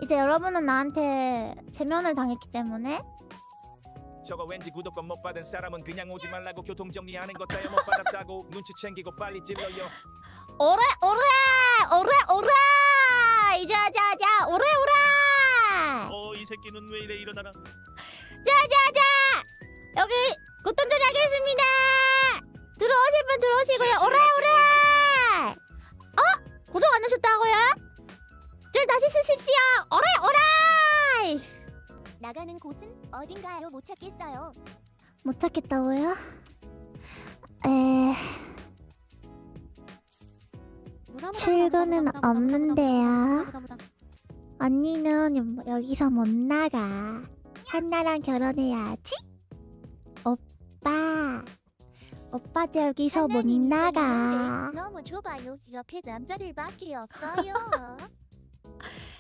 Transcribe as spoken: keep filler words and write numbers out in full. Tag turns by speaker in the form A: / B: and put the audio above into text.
A: 이제 여러분은 나한테 제면을 당했기 때문에
B: 저거 왠지 구독권 못 받은 사람은 그냥 오지 말라고 교통정리하는 것 따위 못 받았다고 눈치 챙기고 빨리 찔러요.
A: 오래 오래 오래 오래 이자자자 오래 오래
C: 어, 이 새끼는 왜 이래 일어나라.
A: 자자자 여기 고통들이 하겠습니다. 들어오실 분 들어오시고요. 오래 오래 어? 구독 안 하셨다고요? 줄 다시 쓰십시오. 오래 오래
D: 나가는 곳은 어딘가요? 못 찾겠어요.
A: 못 찾겠다고요? 에... 출구는 없는데요. 언니는 여기서 못 나가. 한나랑 결혼해야지. 오빠. 오빠도 여기서 못 나가.
D: 너무 좁아요. 옆에 남자들밖에 없어요.